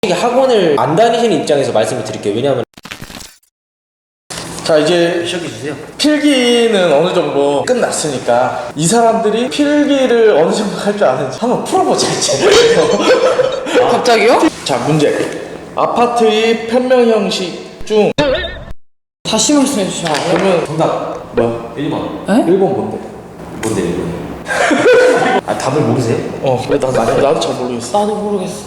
학원을 안 다니시는 입장에서 말씀을 드릴게요. 왜냐하면 자, 이제 시작해주세요. 필기는 어느 정도 끝났으니까 이 사람들이 필기를 어느 정도 할 줄 아는지 한번 풀어보자 이제. 갑자기요? 자, 문제. 아파트의 편명 형식 중 다시 말씀해 주시면 안 돼요? 그러면 정답 뭐야? 1번. 에? 1번 뭔데? 뭔데 1번? 아 답을 모르세요? 그래 나도 잘 모르겠어. 나도 모르겠어.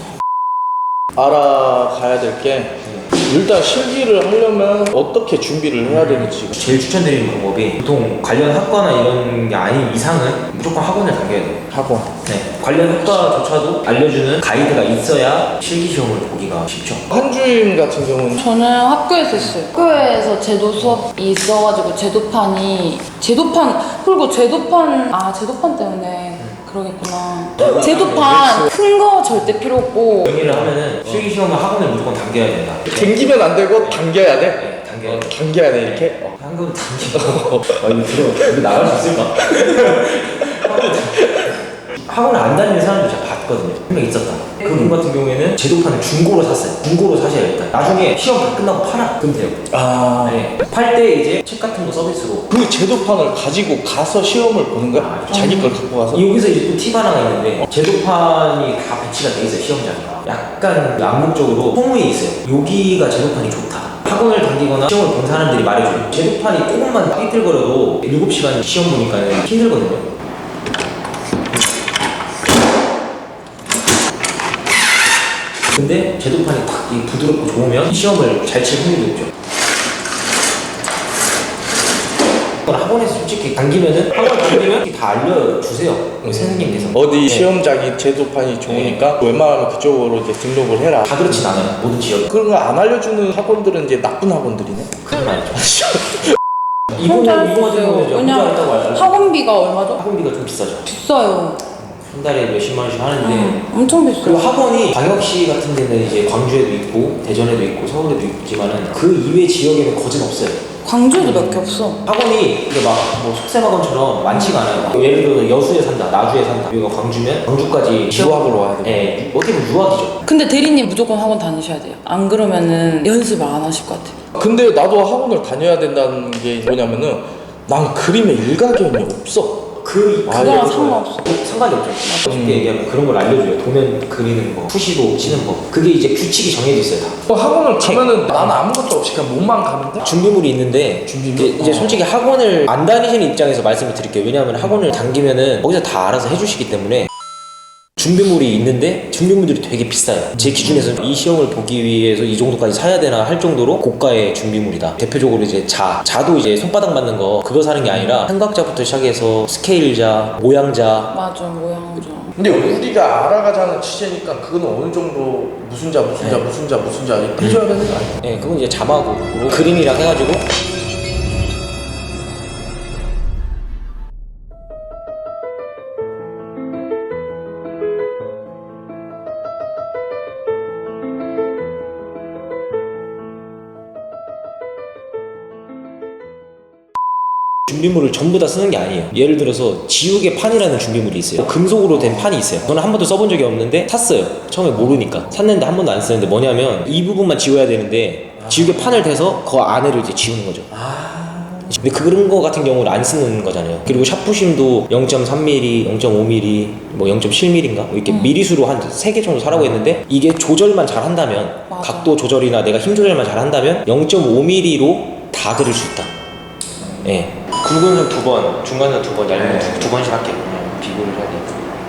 알아가야 될 게 일단 실기를 하려면 어떻게 준비를 해야 되는지. 제일 추천드리는 방법이 보통 관련 학과나 이런 게 아닌 이상은 무조건 학원을 다녀야 돼요. 학원. 네. 관련 학과조차도 알려주는 가이드가 있어야 실기시험을 보기가 쉽죠. 한주임 같은 경우는 저는 학교에서 했어요. 학교에서 제도 수업이 있어가지고 제도판 그리고 제도판 때문에 그러겠구나. 제도판 큰 거 절대 필요 없고 정리를 하면은 실기시험은 학원을 무조건 당겨야 된다. 당기면 안 되고 당겨야 돼. 네, 당겨야 돼. 당겨야 돼 이렇게. 한금 당기고 이거 나갈 수 있을까? 학원을 안 다니는 사람도 제가 봤거든요. 한 명 있었다. 그분 같은 경우에는 제도판을 중고로 샀어요. 중고로 사셔야겠다. 나중에 시험 다 끝나고 팔아. 그럼 돼요. 네. 팔 때 이제 책 같은 거 서비스로. 그 제도판을 가지고 가서 시험을 보는 거야? 자기 걸 갖고 가서? 여기서 이제 또 팁 하나가 있는데 제도판이 다 배치가 돼 있어요. 시험장에. 약간 암묵적으로 소문이 있어요. 여기가 제도판이 좋다. 학원을 다니거나 시험을 본 사람들이 말해줘요. 제도판이 조금만 삐뚤거려도 7시간 시험 보니까 힘들거든요. 근데 제도판이 탁 부드럽고 좋으면 시험을 잘 칠 확률이 높죠. 학원에서 솔직히 당기면은 학원 당기면 다 알려주세요. 선생님께서. 어디 네. 시험장이 제도판이 좋으니까 웬만하면 그쪽으로 이제 등록을 해라. 다 그렇진 않아요. 모든 지역. 그런 거 안 알려주는 학원들은 이제 나쁜 학원들이네. 그건 아니죠. 혼자 할 수 이분 같은 있어요. 경우는 혼자 왜냐면 있다고 알아요. 학원비가 얼마죠? 학원비가 좀 비싸죠. 비싸요. 한 달에 몇십만 원씩 하는데 엄청 그리고 비싸요. 학원이 광역시 같은 데는 이제 광주에도 있고 대전에도 있고 서울에도 있지만은 그 이외 지역에는 거진 없어요. 광주에도 몇 개 없어. 학원이 이게 막뭐 속셈학원처럼 많지가 않아요. 예를 들어 여수에 산다, 나주에 산다. 여기가 광주면 광주까지 유학으로 와야 돼. 네, 어떻게 보면 유학이죠. 근데 대리님 무조건 학원 다니셔야 돼요. 안 그러면은 연습을 안 하실 것 같아요. 근데 나도 학원을 다녀야 된다는 게 뭐냐면은 난 그림에 일가견이 없어. 그거랑 상관없어. 상관이 없죠. 쉽게 얘기하면 그런 걸 알려줘요. 도면 그리는 거, 푸시도 치는 거. 그게 이제 규칙이 정해져 있어요. 다. 학원을 가면은 나는 아무것도 없이 그냥 몸만 가면 돼? 준비물이 있는데 이제 솔직히 학원을 안 다니시는 입장에서 말씀을 드릴게요. 왜냐하면 학원을 당기면은 거기서 다 알아서 해주시기 때문에 준비물이 있는데 준비물들이 되게 비싸요. 제 기준에서 이 시험을 보기 위해서 이 정도까지 사야 되나 할 정도로 고가의 준비물이다. 대표적으로 이제 자도 이제 손바닥 맞는 거 그거 사는 게 아니라 삼각자부터 시작해서 스케일자, 모양자. 맞아, 모양이죠. 근데 우리가 알아가자는 취재니까 그거는 어느 정도 무슨 자 이렇게 해줘야 되는 거 아니야? 네, 그건 이제 자막으로 그림이랑 해가지고 준비물을 전부 다 쓰는 게 아니에요. 예를 들어서 지우개 판이라는 준비물이 있어요. 금속으로 된 판이 있어요. 저는 한 번도 써본 적이 없는데 샀어요. 처음에 모르니까 샀는데 한 번도 안 쓰는데 뭐냐면 이 부분만 지워야 되는데 지우개 판을 대서 그 안에를 이제 지우는 거죠. 근데 그런 거 같은 경우는 안 쓰는 거잖아요. 그리고 샤프심도 0.3mm, 0.5mm, 뭐 0.7mm인가? 이렇게 미리수로 한 3개 정도 사라고 했는데 이게 조절만 잘 한다면 맞아. 각도 조절이나 내가 힘 조절만 잘 한다면 0.5mm로 다 그릴 수 있다. 예. 굵은 선 2번, 중간 선 2번, 얇은 선 2번씩 할게요. 그냥 비교를 해야 돼요.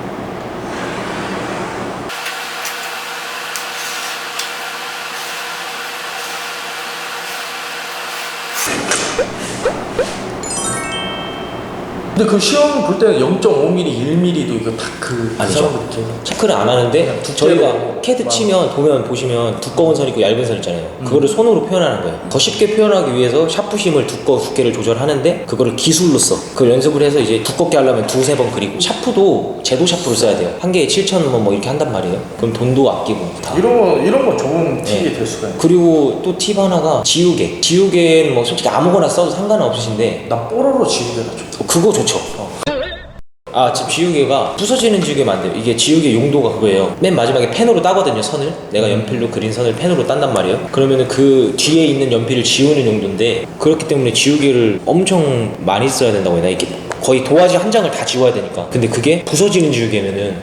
근데 그 시험 볼 때는 0.5mm, 1mm도 이거 다그 아니죠. 체크를 안 하는데 저희가 캐드 치면 보시면 두꺼운 선 있고 얇은 선 있잖아요. 그거를 손으로 표현하는 거예요. 더 쉽게 표현하기 위해서 샤프심을 두께를 조절하는데 그거를 기술로 써. 그걸 연습을 해서 이제 두껍게 하려면 2-3번 그리고 샤프도 제도 샤프로 써야 돼요. 한 개에 7,000원 뭐 이렇게 한단 말이에요. 그럼 돈도 아끼고 다. 이런 거 좋은 팁이 될 수가 있네. 그리고 또 팁 하나가 지우개는 뭐 솔직히 아무거나 써도 상관은 없으신데 나 뽀로로 지우개가 좋다. 그거 좋죠. 아, 지금 지우개가 부서지는 지우개면 안 돼요. 이게 지우개 용도가 그거예요. 맨 마지막에 펜으로 따거든요, 선을. 내가 연필로 그린 선을 펜으로 딴단 말이에요. 그러면은 그 뒤에 있는 연필을 지우는 용도인데, 그렇기 때문에 지우개를 엄청 많이 써야 된다고 해야 되나? 이게 거의 도화지 한 장을 다 지워야 되니까. 근데 그게 부서지는 지우개면은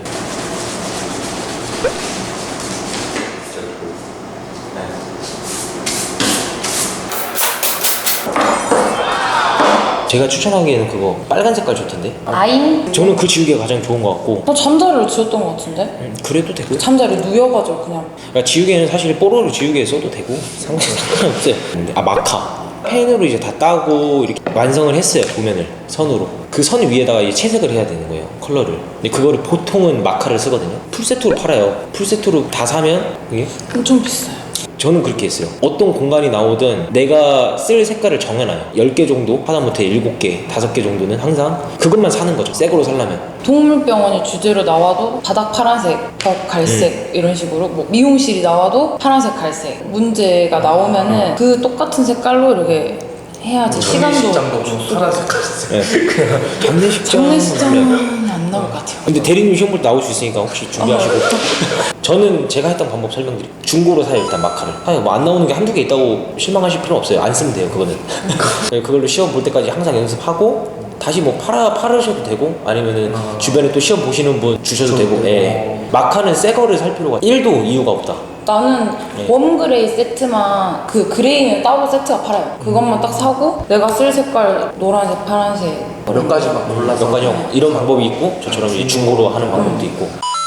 제가 추천하기에는 그거 빨간 색깔 좋던데. 아잉? 저는 그 지우개가 가장 좋은 것 같고. 나 잠자리를 지웠던 것 같은데? 그래도 되고. 잠자리 누여가지고 그냥. 그러니까 지우개는 사실 뽀로로 지우개 써도 되고 상관없어요. 근데 마카 펜으로 이제 다 따고 이렇게 완성을 했어요. 도면을 선으로. 그 선 위에다가 이제 채색을 해야 되는 거예요, 컬러를. 근데 그거를 보통은 마카를 쓰거든요. 풀세트로 팔아요. 풀세트로 다 사면 그게 엄청 비싸요. 저는 그렇게 했어요. 어떤 공간이 나오든 내가 쓸 색깔을 정해놔요. 10개 정도, 하다못해 7개, 5개 정도는 항상 그것만 사는 거죠. 새 거로 살려면. 동물병원이 주제로 나와도 바닥 파란색, 벽 갈색 이런 식으로 뭐 미용실이 나와도 파란색, 갈색 문제가 나오면은 그 똑같은 색깔로 이렇게 해야지 시간도 장도 좀 파란색 네. 장례식장. 장례식장은 안 나올 것 같아요. 근데 대리님 시험 볼 때 나올 수 있으니까 혹시 준비하시고. 저는 제가 했던 방법 설명드릴게요. 중고로 사요, 일단 마카를. 아니, 뭐 안 나오는 게 한두 개 있다고 실망하실 필요는 없어요. 안 쓰면 돼요, 그거는. 그걸로 시험 볼 때까지 항상 연습하고 다시 뭐 팔으셔도 되고 아니면은 주변에 또 시험 보시는 분 주셔도 되고. 예. 마카는 새 거를 살 필요가 1도 이유가 없다. 나는 웜그레이 세트만 그 그레이는 따로 세트가 팔아요. 그것만 딱 사고 내가 쓸 색깔 노란색, 파란색 몇 가지만 골라서 몇 가지 이런 방법이 있고 저처럼 이제 중고로 하는 방법도 있고.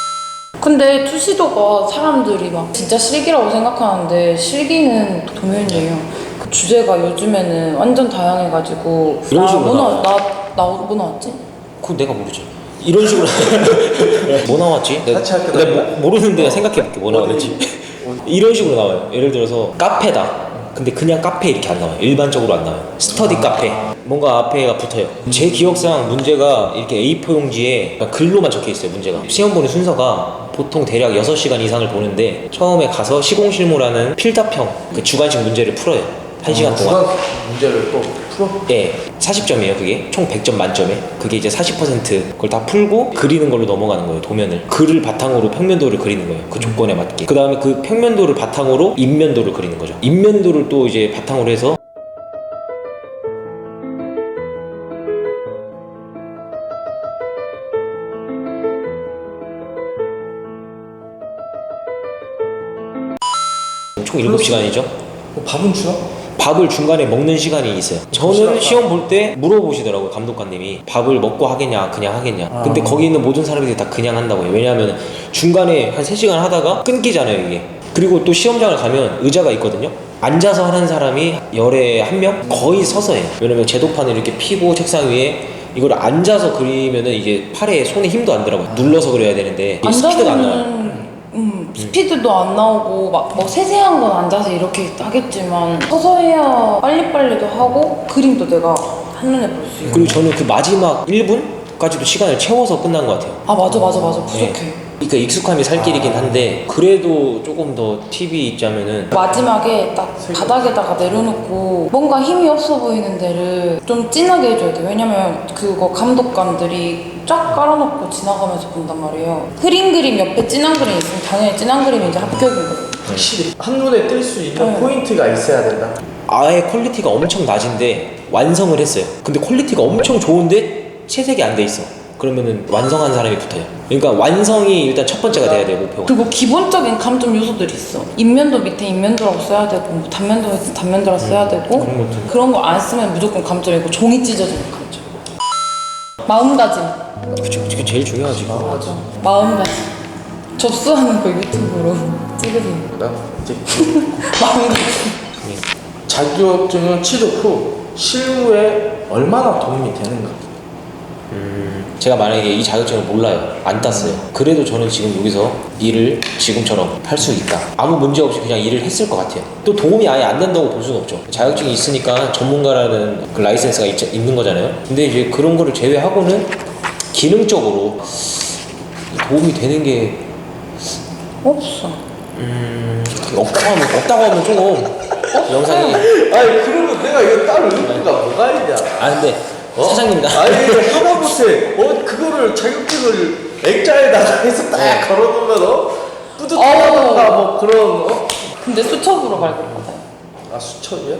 근데 투시도가 사람들이 막 진짜 실기라고 생각하는데 실기는 도면이에요. 그 주제가 요즘에는 완전 다양해가지고 이런 식으로 뭐 나왔지? 그건 내가 모르지. 이런 식으로 뭐 나왔지? 사치할 때 내가 모르는데 내가 생각해볼게. 뭐 나왔지? 이런 식으로 나와요. 예를 들어서 카페다. 근데 그냥 카페 이렇게 안 나와요. 일반적으로 안 나와요. 스터디 카페. 뭔가 앞에가 붙어요. 제 기억상 문제가 이렇게 A4 용지에 글로만 적혀 있어요. 문제가. 시험 보는 순서가 보통 대략 6시간 이상을 보는데 처음에 가서 시공실무라는 필답형 그 주관식 문제를 풀어요. 1시간 동안. 주간 문제를 또 풀어? 예, 40점이에요. 그게 총 100점 만점에 그게 이제 40% 그걸 다 풀고 그리는 걸로 넘어가는 거예요. 도면을 글을 바탕으로 평면도를 그리는 거예요. 그 조건에 맞게. 그 다음에 그 평면도를 바탕으로 인면도를 그리는 거죠. 인면도를 또 이제 바탕으로 해서 총 7시간이죠. 밥은 주나? 밥을 중간에 먹는 시간이 있어요. 저는 시험 볼 때 물어보시더라고요, 감독관님이. 밥을 먹고 하겠냐, 그냥 하겠냐. 근데 거기 있는 모든 사람들이 다 그냥 한다고 해요. 왜냐하면 중간에 한 3시간 하다가 끊기잖아요, 이게. 그리고 또 시험장을 가면 의자가 있거든요. 앉아서 하는 사람이 열에 1명? 거의 서서 해요. 왜냐면 제도판을 이렇게 피고 책상 위에 이걸 앉아서 그리면은 이게 팔에 손에 힘도 안 들어가요. 눌러서 그려야 되는데 이게 스피드가 안 나와요. 스피드도 안 나오고 막 뭐 세세한 건 앉아서 이렇게 하겠지만 서서 해야 빨리빨리도 하고 그림도 내가 한눈에 볼 수 있고. 그리고 저는 그 마지막 1분까지도 시간을 채워서 끝난 것 같아요. 아 맞아 부족해. 그러니까 익숙함이 살 길이긴 한데 그래도 조금 더 팁이 있자면은 마지막에 딱 바닥에다가 내려놓고 뭔가 힘이 없어 보이는 데를 좀 진하게 해줘야 돼. 왜냐면 그거 감독관들이 쫙 깔아놓고 지나가면서 본단 말이에요. 흐린 그림 옆에 진한 그림 있으면 당연히 진한 그림이 이제 합격인 거예요. 확실히 한눈에 띌 수 있는 포인트가 있어야 된다. 아예 퀄리티가 엄청 낮은데 완성을 했어요. 근데 퀄리티가 엄청 좋은데 채색이 안 돼 있어. 그러면은 완성한 사람이 붙어요. 그러니까 완성이 일단 첫 번째가 돼야 돼요, 목표가. 그리고 기본적인 감점 요소들이 있어. 인면도 밑에 인면도라고 써야 되고 뭐 단면도 밑에 단면도라고 써야 되고 그런 거 안 쓰면 무조건 감점이고 종이 찢어지는 감점. 마음가짐. 그게 제일 중요하지. 맞아. 마음가짐. 접수하는 거 유튜브로 찍으세요. 나 이제 마음가짐. 자격증을 취득 후 실무에 얼마나 도움이 되는가? 제가 만약에 이 자격증을 몰라요, 안 땄어요. 그래도 저는 지금 여기서 일을 지금처럼 할 수 있다. 아무 문제 없이 그냥 일을 했을 것 같아요. 또 도움이 아예 안 된다고 볼 수는 없죠. 자격증이 있으니까 전문가라는 그 라이센스가 있는 거잖아요. 근데 이제 그런 거를 제외하고는 기능적으로 도움이 되는 게 없어. 없다고 하면 조금 영상이. 아니 그러면 내가 이거 따로 의미가 뭐가 있냐? 아 근데 사장님이다. 아니 하다못해 그거를 자격증을 액자에다가 해서 딱 걸어놓으면 뿌듯하다던가 뭐 그런 근데 수첩으로 발급받아요. 아 수첩이야?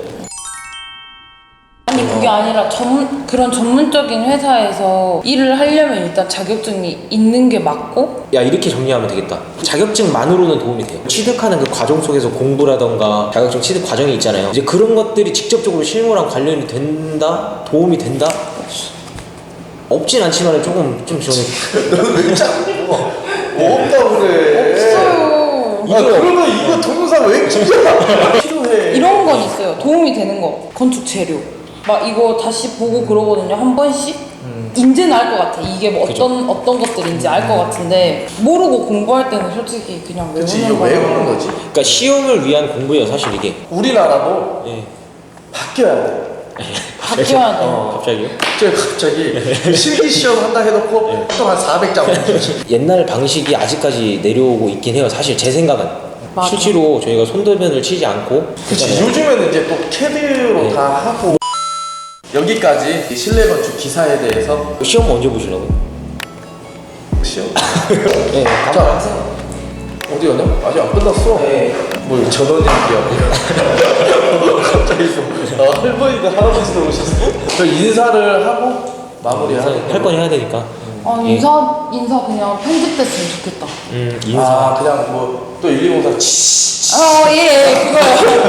아니 그게 아니라 그런 전문적인 회사에서 일을 하려면 일단 자격증이 있는 게 맞고. 야 이렇게 정리하면 되겠다. 자격증만으로는 도움이 돼요. 취득하는 그 과정 속에서 공부라던가 자격증 취득 과정이 있잖아요. 이제 그런 것들이 직접적으로 실무랑 관련이 된다? 도움이 된다? 없진 않지만 조금 좀 저는 너는 왜 자꾸 뭐 없다고 그래? 없어요. 그러면 이거 동영상 왜 찍잖아? 필요해. 이런 건 있어요. 도움이 되는 거. 건축 재료. 막 이거 다시 보고 그러거든요. 한 번씩. 이제는 알 것 같아. 이게 뭐 어떤 것들인지 알 것 같은데 모르고 공부할 때는 솔직히 그냥 그치 이게 외우는 왜 거예요. 그러는 거지? 그러니까 시험을 위한 공부예요 사실 이게. 우리나라도 예. 바뀌어야 돼. 바뀌어야 돼요. 갑자기요? 갑자기 실기 시험 한다 해놓고 또 한 400장 옛날 방식이 아직까지 내려오고 있긴 해요. 사실 제 생각은. 맞아. 실제로 저희가 손도면을 치지 않고. 그치 그잖아요. 요즘에는 이제 또 캐드로 네. 다 하고 여기까지 이 실내 건축 기사에 대해서 시험 언제 보시려고요? 시험 네. 자 어디 가냐? 아직 안 끝났어. 네. 뭐 전원일기야. 갑자기 또 할머니도 할아버지도 오셨어. 저 인사를 하고 마무리하는 할 건 해야 되니까. 아 예. 인사 그냥 편집됐으면 좋겠다. 인사. 아 그냥 뭐 또 120사 예 그거요.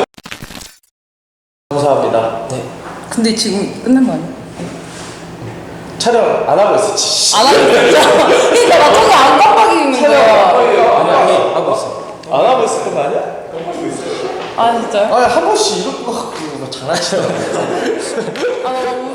감사합니다. 네. 근데 지금 끝난 거 아니야? 촬영 안 하고 있어. 안 하고 있어. 그러니까 나 저기 안 깜빡이는 거야. 아니 하고 있어. 안 하고 있었던 거 아니야? 아 진짜요? 아니 한 번씩 이럴 거 같고 장난치잖아. 아,